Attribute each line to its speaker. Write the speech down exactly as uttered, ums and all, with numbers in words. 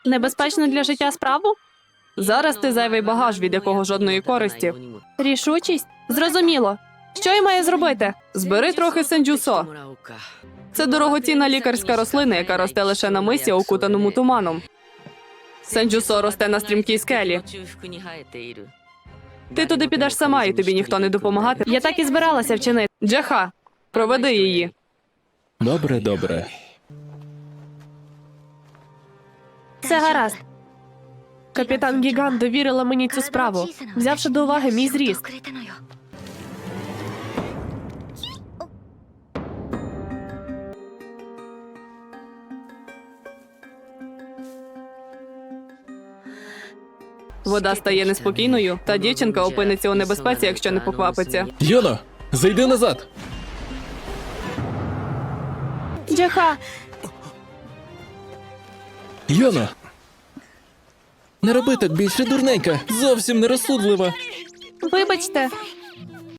Speaker 1: Небезпечно для життя справу?
Speaker 2: Зараз ти зайвий багаж, від якого жодної користі.
Speaker 1: Рішучість? Зрозуміло. Що я маю зробити?
Speaker 2: Збери трохи сенджусо. Це дорогоцінна лікарська рослина, яка росте лише на мисі, окутаному туманом. Сенджусо росте на стрімкій скелі. Ти туди підеш сама, і тобі ніхто не допомагатиме.
Speaker 1: Я так і збиралася вчинити.
Speaker 2: Джаха, проведи її.
Speaker 3: Добре, добре.
Speaker 1: Все гаразд. Капітан Гігант довірила мені цю справу, взявши до уваги мій зріст.
Speaker 2: Вода стає неспокійною, та дівчинка опиниться у небезпеці, якщо не поквапиться.
Speaker 3: Йоно, зайди назад.
Speaker 1: Джаха,
Speaker 3: Йоно. Не роби так більше, дурненька. Зовсім нерозсудлива.
Speaker 1: вибачте.